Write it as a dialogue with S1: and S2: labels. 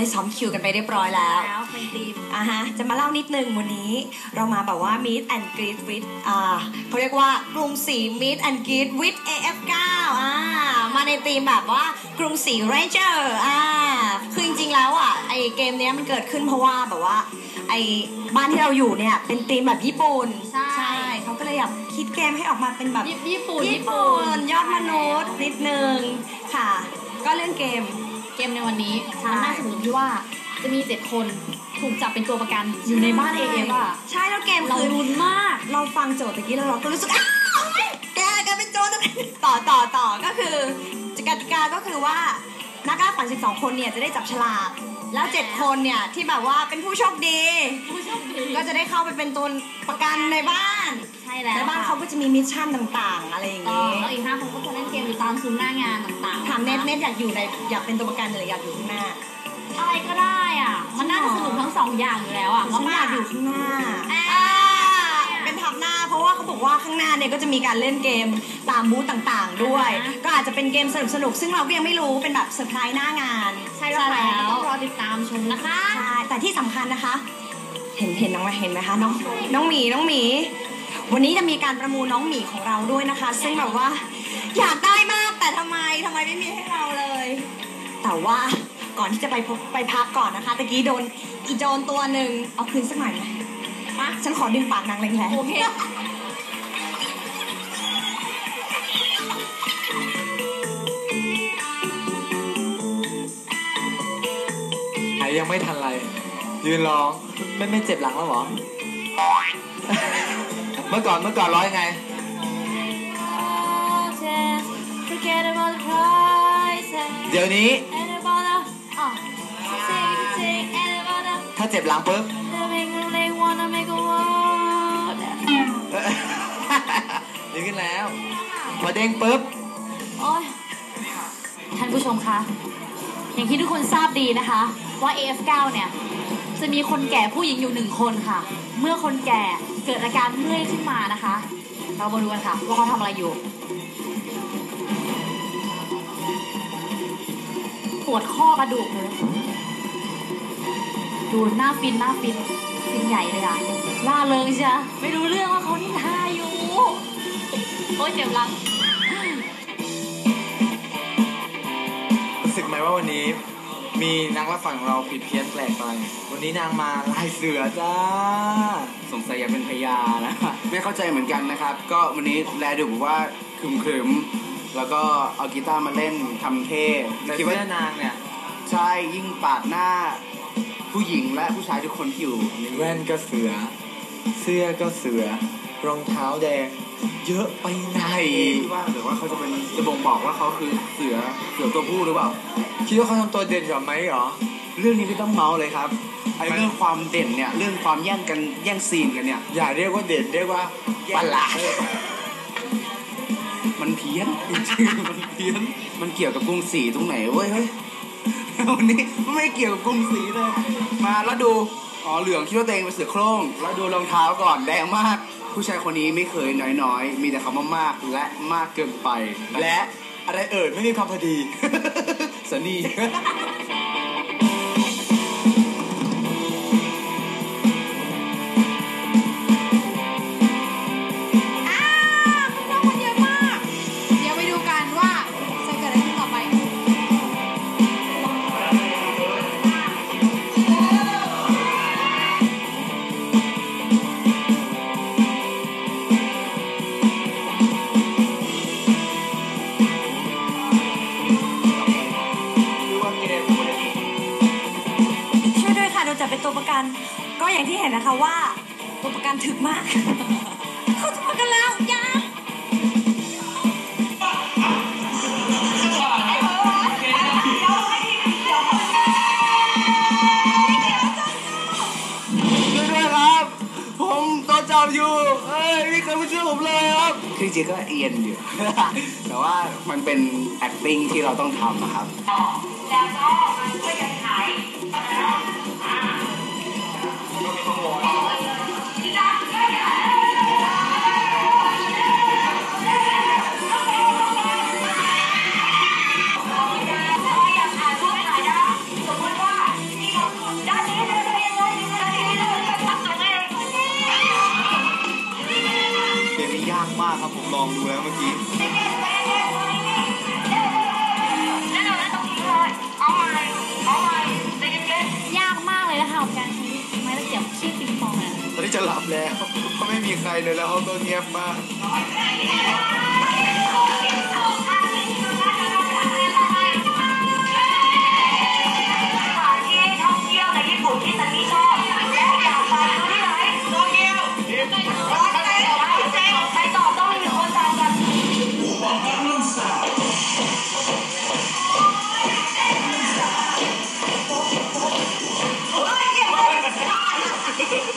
S1: ได้ซ้อมคิวกันไปเรียบร้อยแล้ว
S2: เป็นทีม
S1: จะมาเล่านิดนึงวันนี้เรามาแบบว่า Meet and Greet with เขาเรียกว่ากรุงศรี Meet and Greet with AF9 มาในธีมแบบว่ากรุงศรี Ranger คือจริงๆแล้วไอเกมนี้มันเกิดขึ้นเพราะว่าแบบว่าไอบ้านที่เราอยู่เนี่ยเป็นธีมแบบญี่ปุ่นใช่เขาก็เลยแบบคิดเกมให้ออกมาเป็นแบบ
S2: ญี่ปุ่น
S1: ยอดมนุษย์นิดนึงค่ะก็เรื่องเกม
S2: ในวันนี้มันน่าสนุกที่ว่าจะมี7คนถูกจับเป็นตัวประกันอยู่ในบ้านAF
S1: ใช่แล้วเกม
S2: เราลุ้นมาก
S1: เราฟังโจทย์ตะกี้แล้วเราก็รู้สึกแกเป็นโจทย์ต่อก็คือกติกาก็คือว่านักล่าฝัน12คนเนี่ยจะได้จับฉลากแล้ว7คนเนี่ยที่แบบว่าเป็นผู้โชคดีก็จะได้เข้าไปเป็นตัวประกันในบ้าน
S2: ใช่แล้ว
S1: ในบ้านเขาก็จะมีมิชชั่นต่างๆอะไรอย่างงี้
S2: แล้วอีก5คนก็จะเล่นเกมอยู่ตามซุ้มหน้างานต่างๆ
S1: ถามเน็ตอยากเป็นตัวประกันหรืออยากอยู่ข้างหน้า
S2: อะไรก็ได้มันน่าจะสนุกทั้ง2อย่างอยู่แล้ว
S1: ฉันอยากอยู่ข้างหน้าเป็นทับหน้าเพราะว่าเขาบอกว่าข้างหน้าเนี่ยก็จะมีการเล่นเกมตามบูธต่างๆด้วยก็อาจจะเป็นเกมสนุกซึ่งเราก็ยังไม่รู้เป็นแบบเซอร์ไพรส์หน้างาน
S2: ใช่แล้วต้องรอติดตามชมนะคะ
S1: ใช่แต่ที่สำคัญนะคะเห็นน้องไหมคะน้องหมีวันนี้จะมีการประมูลน้องหมีของเราด้วยนะคะซึ่งแบบว่าอยากได้มากแต่ทำไมไม่มีให้เราเลยแต่ว่าก่อนที่จะไปพักก่อนนะคะตะกี้โดนอีโจนตัวหนึ่งเอาคืนสักหน่อยไหมฉันขอดึงปากนางแรงๆ
S2: โอเค
S3: ยังไม่ทันไรยืนร้องไม่เจ็บหลังแล้วหรอ เมื่อก่อนร้องยังไงเดี๋ยวนี้ถ้าเจ็บหลังปุ๊บดีขึ้นแล้วพอเด้งปุ๊บ
S2: ท่านผู้ชมคะอย่างที่ทุกคนทราบดีนะคะว่า AF9 เนี่ยจะมีคนแก่ผู้หญิงอยู่1คนค่ะเมื่อคนแก่เกิดอาการเมื่อยขึ้นมานะคะเรามาดูกันค่ะว่าเขาทำอะไรอยู่ปวดข้อกระดูกเลยดูหน้าฟินใหญ่เลยล่าเริงใช่ไม่รู้เรื่องว่าเขานินทาอยู่โอ๊ยเจ็บหลัง
S3: รู้สึกไหมว่าวันนี้มีนางรับฝันของเราผิดเพี้ยนแปลกไปวันนี้นางมาลายเสือจ้า
S4: สงสัยอยากเป็นพญานะไม่เข้าใจเหมือนกันนะครับก็วันนี้แลดูบอกว่าครึมแล้วก็เอากีตาร์มาเล่นทำเท่
S3: คิดว่านางเนี่ย
S4: ใช่ยิ่งปาดหน้าผู้หญิงและผู้ชายทุกคนที่อยู่
S3: แว่นก็เสือเสื้อก็เสือรองเท้าแดงเยอะไปไหน
S4: ว่าหรือว่าเขาจะเป็นจะบ่งบอกว่าเขาคือเสือตัวผู้หรือเปล่า
S3: คิดว่าเขาทำตัวเด่นกว่าไหมหรอ
S4: เรื่องนี้ไม่ต้องเมาเลยครับไอ้เรื่องความเด่นเนี่ยเรื่องความแย่งซีนกันเนี่ย
S3: อย่าเรียกว่าเด่นเรียกว่า
S4: ประหลาดมันเพี้ยนจริงๆมันเพี้ยนมันเกี่ยวกับกรุงศรีตรงไหนเว้ยเฮ้ยวันนี้ไม่เกี่ยวกับกรุงศรีเลยมาแล้วดูเหลืองคิดว่าตัวเองเป็นเสือโคร่งแล้วดูรองเท้าก่อนแดงมากผู้ชายคนนี้ไม่เคยน้อยมีแต่คำว่ามากและมากเกินไป
S3: และอะไรไม่มีคำพอดี
S4: สนี
S1: ก็อย่างที่เห็นนะคะว่าตัวประกันถึกมากเขาจะประกันแล้วยา
S4: ด้วยครับผมตัวจับอยู่ไม่เคยมาช่วยผมเลยครับคือจริงก็เอียนอยู่แต่ว่ามันเป็น acting ที่เราต้องทำนะครับแล้วก็มาช่วยกันขาย
S3: มากครับผมลองดูแล้วเมื่อกี้
S2: ยากมากเลยนะคะกับการใช้ไม้ตะเกียบขี้ปิงปองเนี่ย
S3: ตอนนี้จะหลับแล้วเพราะไม่มีใครเลยแล้วห้องก็เงียบมาก
S1: เ